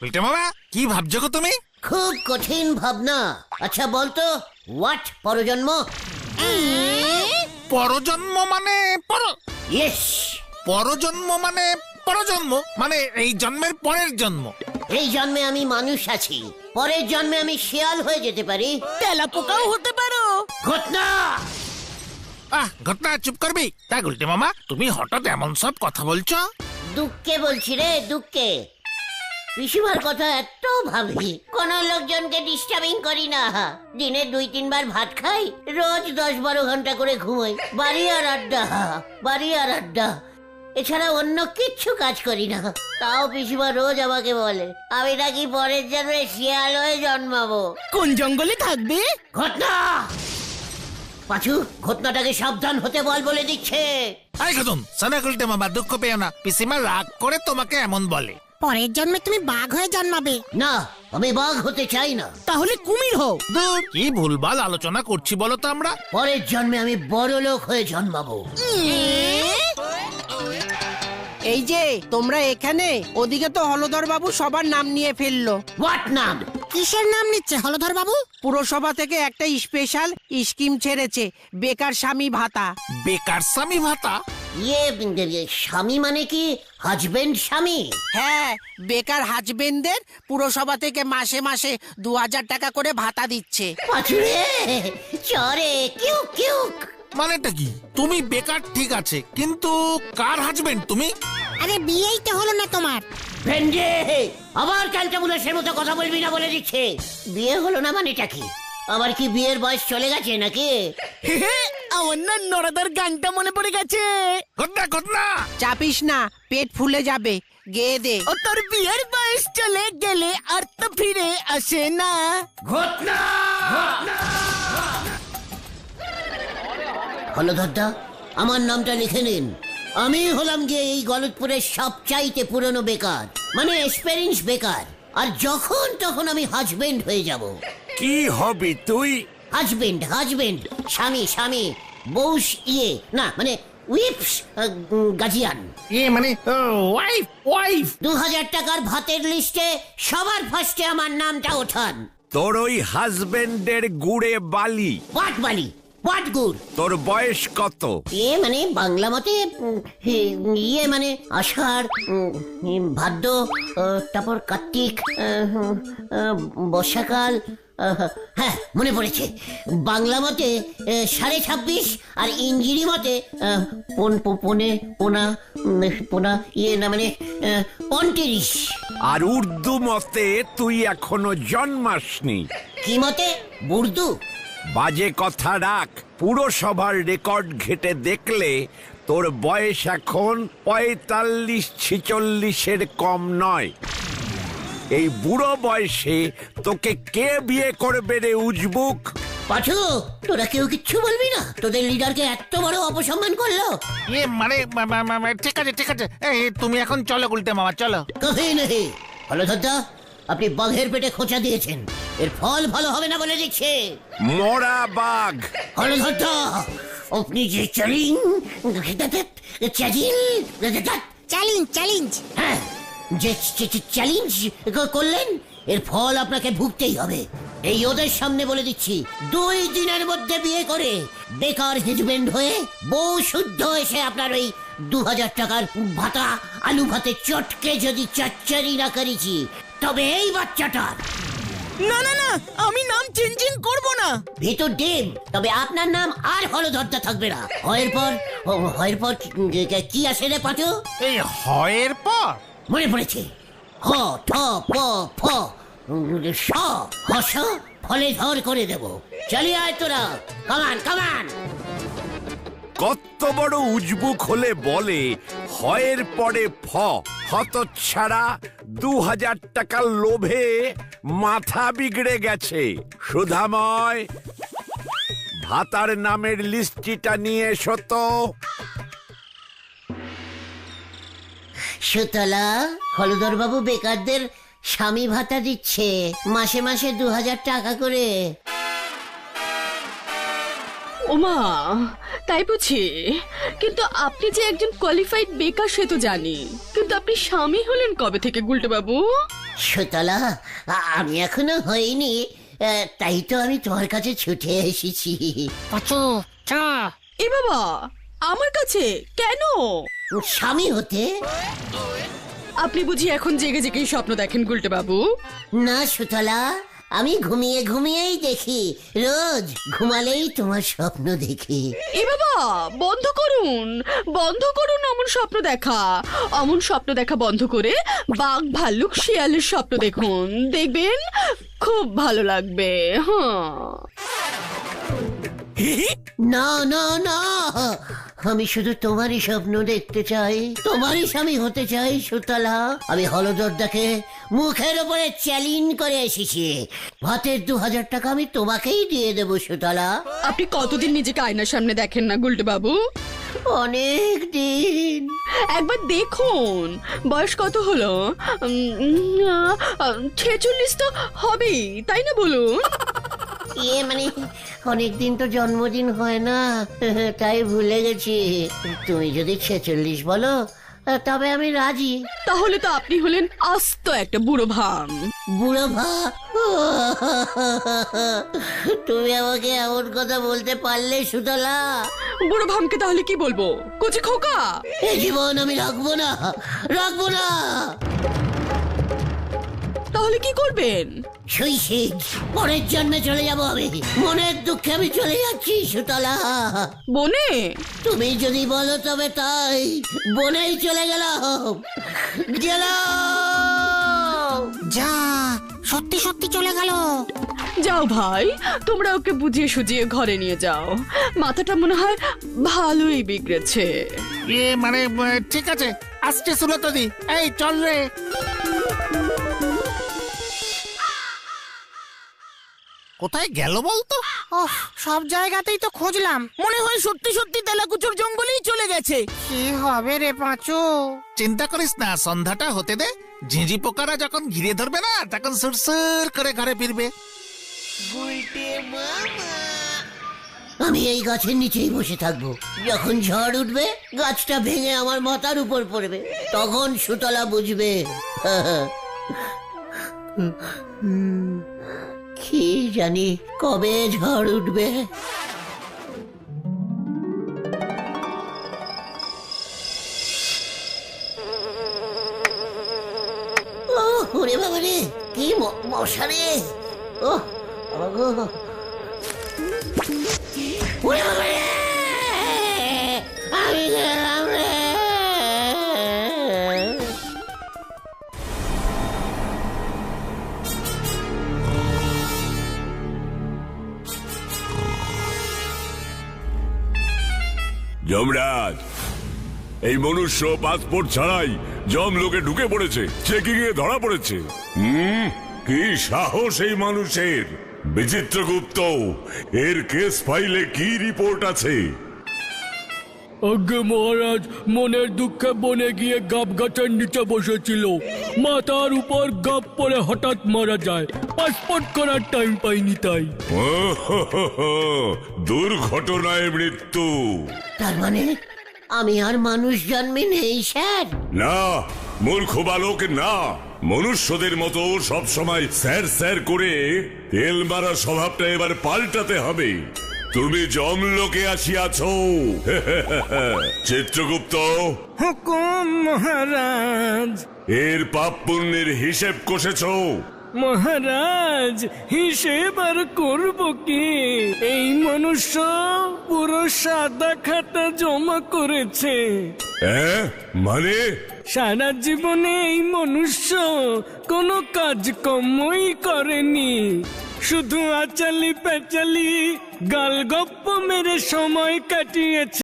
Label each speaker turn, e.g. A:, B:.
A: উল্টে মামা কি ভাবছো গো তুমি?
B: খুব কঠিন ভাবনা। আচ্ছা বলতো, হোয়াট পরজন্ম?
A: পরজন্ম মানে
B: ইয়েস,
A: পরজন্ম মানে পরজন্ম মানে এই জন্মের পরের জন্ম।
B: এই জন্মে আমি মানুষ আছি, পরের জন্মে আমি শিয়াল হয়ে যেতে পারি।
C: তেলাপোকাও হতে পারো।
B: ঘটনা।
A: ঘটনা চুপ করবি? তা উল্টে মামা তুমি হঠাৎ এমন সব কথা বলছো?
B: দুঃখে বলছি রে, দুঃখে। পিসিমার কথা এত ভাবি, কোন লোকজনকে ডিস্টার্বিং করি না। দিনে 2-3 বার ভাত খাই, রোজ 10-12 ঘন্টা করে ঘুমোই। বাড়ি আর আড্ডা, বাড়ি আর আড্ডা, এছাড়া অন্য কিচ্ছু কাজ করি না। তাও পিসিমা রোজ আমাকে বলে আমি নাকি পরের জন্মে শিয়াল হয়ে জন্মাবো।
C: কোন জঙ্গলে থাকবে?
B: ঘটনা। পাঁচু, ঘটনাটাকে সাবধান হতে বল বলে দিচ্ছে।
A: আই খতম সানা উল্টে মামা, দুঃখ পেও না, পিসিমা রাগ করে তোমাকে এমন বলে।
D: পরের জন্মে তুমি বাঘ হয়ে জন্মাবে।
B: না, আমি বাঘ হতে চাই না।
C: তাহলে কুমির হও।
A: দূর, কি ভুলভাল আলোচনা করছি বলো তো আমরা।
B: পরের জন্মে আমি বড় লোক হয়ে জন্মাবো।
E: এই যে তোমরা এখানে, ওদিকে তো হলধর বাবু সবার নাম নিয়ে ফেললো।
B: হোয়াট নাম?
D: কিসের নাম নিচ্ছে হলধর বাবু?
E: পুরসভা থেকে একটা স্পেশাল স্কিম ছেড়েছে, বেকার স্বামী ভাতা।
A: বেকার স্বামী ভাতা?
B: ইয়ে, স্বামী মানে কি হাজবেন্ড স্বামী?
E: হ্যাঁ, বেকার হাজবেন্ডদের পুরসভা থেকে মাসে মাসে 2000 টাকা করে ভাতা দিচ্ছে।
B: পাঁচুরে চরে কিউ কিউ।
A: মানেটা কি? তুমি বেকার ঠিক আছে, কিন্তু কার হাজবেন্ড তুমি?
D: আরে বিয়েই তো হলো না তোমার।
B: ভেন্ডে, আবার ক্যালটাবুলাসের মতো কথা বলবি না বলে দিচ্ছে। বিয়ে হলো না মানেটা কি? আমার কি বিয়ের বয়স চলে গেছে নাকি?
C: আমার না নরাদার গানটা মনে পড়ে গেছে।
A: ঘটনা ঘটনা।
E: চাপিস না, পেট ফুলে যাবে, গেয়ে দে।
C: ও তোর বিয়ের বয়স চলে গেলে আর তো ফিরে আসে না।
B: ঘটনা। হলধরদা, আমার নামটা লিখে নিন। আমি হলাম গিয়ে এই গলতপুরের সবচাইতে পুরনো বেকার, মানে এক্সপেরিয়েন্স বেকার। আর যখন তখন আমি হাজবেন্ড হয়ে যাব।
F: কি হবি তুই?
B: হাজবেন্ড, হাজবেন্ড, স্বামী, স্বামী, বউস, না মানে উইপস, গাজিয়ান।
A: মানে ওয়াইফ ওয়াইফ।
B: 2000 টাকার ভাতের লিস্টে সবার ফার্স্টে আমার নামটা ওঠান।
F: তোর ওই হাজবেন্ডের গুড়ে বালি।
B: পাট বালি, পাট গুড়।
F: তোর বয়স কত?
B: মানে বাংলা মতে মানে আষাঢ়, ভাদ্র, তারপর কার্তিক, বর্ষাকাল। হ্যাঁ, মনে পড়েছে। বাংলা মতে 26.5 আর ইংরেজি মতে পোনা না মানে 35।
F: আর উর্দু মতে তুই এখনো জন্মাসনি।
B: কি মতে? বুর্দু?
F: বাজে কথা রাখ। পুরসভার রেকর্ড ঘেটে দেখলে তোর বয়স এখন 45-46-এর কম নয়। এই বুড়ো বয়সে তোকে কে বিয়ে করবে রে উজবুক?
B: পাঠু, তোরা কেউ কিচ্ছু বলবি না? তোদের লিডারকে এত বড় অপসম্মান করলো।
A: মানে ঠিক আছে ঠিক আছে, তুমি এখন চলো উল্টে মামা, চলো।
B: কবে নেই হলধরদা, আপনি বাঘের পেটে খোঁচা দিয়েছেন, এর ফল ভালো হবে না বলে দিচ্ছে।
F: মরা বাঘ।
B: হলধরদা, আপনি যে চ্যালেঞ্জ, হ্যাঁ, যে চ্যালেঞ্জ করলেন, এর ফল আপনাকে ভুগতেই হবে। এই ওদের সামনে বলে দিচ্ছি, 2 দিনের মধ্যে বিয়ে করে বেকার হাজবেন্ড হয়ে বউ শুদ্ধ এসে আপনার ওই 2000 টাকার ভাতা আলু ভাতে চটকে যদি চাচ্চারি না করেছি, তবে এই বাচ্চাটার।
C: না না না, আমি নাম চেঞ্জিং করব না।
B: ভিতর ডিম, তবে আপনার নাম আর হলধরদা থাকবে না। হয়ের পর কি আসে রে পাঠু?
A: এই হয়ের পর
B: মনে পড়েছে, হ ঠ প ফ স হস, ফলে ধর করে দেব। চলি আয় তোরা, কামান কামান।
F: কত বড় উজবুক হলে বলে হয়ের পরে ফ। হতচ্ছাড়া, 2000 টাকার লোভে মাথা বিগড়ে গেছে। সুধাময়, ভাতার নামের লিস্টিটা নিয়ে এসো তো।
B: সুতলা, হলধর বাবু বেকারদের স্বামী ভাতা দিচ্ছে, মাসে মাসে 2000 টাকা করে।
G: ওমা, তাই বুঝি? কিন্তু আপনি যে একজন কোয়ালিফাইড বেকার সে তো জানি, কিন্তু কিন্তু আপনি স্বামী হলেন কবে থেকে গুলটে বাবু?
B: সুতলা, আমি এখনো হইনি, তাই তো আমি তোমার কাছে ছুটে এসেছি।
D: পাচু চ
G: এ বাবা, আমার কাছে কেন?
B: স্বামী হতে?
G: আপনি বুঝি এখন জেগে জেগেই স্বপ্ন দেখেন গুলটে বাবু?
B: না সুতলা, আমি ঘুমিয়ে ঘুমিয়েই দেখি, রোজ ঘুমালেই তোমার স্বপ্ন দেখি।
G: এ বাবা, বন্ধ করুন অমন স্বপ্ন দেখা। অমন স্বপ্ন দেখা বন্ধ করে বাঘ ভাল্লুক শিয়ালের স্বপ্ন দেখুন, দেখবেন খুব ভালো লাগবে।
B: না না না, আমি শুধু তোমারই স্বপ্ন দেখতে চাই, তোমারই স্বামী হতে চাই সুতলা। আমি হলদরদাকে মুখের উপরে চ্যালেঞ্জ করে এসেছি, ভাতের 2000 টাকা আমি তোমাকেই দিয়ে দেবো সুতলা।
G: আপনি কতদিন নিজেকে আয়নার সামনে দেখেন না গুলটে বাবু?
B: অনেক দিন।
G: একবার দেখুন, বয়স কত হলো? 46 তো হবেই, তাই না বলুন?
B: মানে অনেকদিন তো জন্মদিন হয় না, তাই ভুলে গেছি। তুমি যদি 46 বলো তবে আমি রাজি।
G: তাহলে তো আপনি হলেন আস্ত একটা বুড়ো ভাম।
B: বুড়ো ভা? তুমি আমাকে এমন কথা বলতে পারলে সুতলা?
G: বুড়ো ভামকে তাহলে কি বলবো? কচি খোকা?
B: এই জীবন আমি রাখবো না, রাখবো না।
G: তাহলে কি করবেন?
B: সুইসাইড, পরের জন্মে চলে যাবো আমি। মনের দুঃখে আমি চলে যাচ্ছি সুতলা।
G: বনে?
B: তুমি যদি বলো তবে তাই, বনেই চলে গেলাম।
D: যা সত্যি সত্যি চলে গেল।
G: যাও ভাই, তোমরা ওকে বুঝিয়ে সুজিয়ে ঘরে নিয়ে যাও। মাথাটা মনে হয় ভালোই বিগড়েছে।
A: মানে ঠিক আছে, আসছে সুলতাদি, এই চল রে। কোথায় গেল বলতো?
C: ওহ, সব জায়গাতেই তো খুঁজলাম, মনে হয় সত্যি সত্যি তেলাকুচুর জঙ্গলেই চলে গেছে। কি হবে রে পাঁচু?
A: চিন্তা করিস না, সন্ধ্যাটা হতে দে। ঝিঁঝি পোকারা যখন ঘিরে ধরবে না, তখন সুরসুর করে ঘরে ফিরবে।
B: আমি এই গাছের নিচেই বসে থাকবো, যখন ঝড় উঠবে গাছটা ভেঙে আমার মাথার উপর পড়বে, তখন সুতলা বুঝবে। কি জানি কবে ঝড় উঠবে। ওরে বাবা রে, কি মশা রে! ও ওরে বাবা রে, আমি গেলাম রে।
H: যমরাজ, এই মনুষ্য পাসপোর্ট ছাড়াই জমলোকে ঢুকে পড়েছে, চেকিং এ ধরা পড়েছে। কি সাহস এই মানুষের! বিচিত্রগুপ্ত, এর কেস ফাইলে কি রিপোর্ট আছে?
I: আগে মহারাজ, মনের দুঃখে বনে গিয়ে গাব গাছের নিচে বসেছিল, মাথার উপর গাব পরে হঠাৎ মারা যায়, পাসপোর্ট করার টাইম পাইনি তাই।
H: দুর্ঘটনায় মৃত্যু।
B: তার মানে আমি আর মানুষ জন্মে নেই স্যার?
H: না মূর্খ বালক, না। মনুষ্যদের মতো সব সময় স্যার স্যার করে তেল মারা স্বভাবটা এবার পাল্টাতে হবে। তুমি জমলোকে আসিয়াছ। চিত্রগুপ্ত,
I: হুকুম মহারাজ।
H: এর পাপ পুণ্যের হিসেব কষেছ?
I: মহারাজ, হিসেব আর করব কি? এই মনুষ্য পুরো সাদা খাতা জমা করেছে।
H: মানে?
I: সারা জীবনে এই মনুষ্য কোনো কাজকর্মই করেনি, শুধু আচালি পেচালি গালগপ্প মেরে সময় কাটিয়েছে।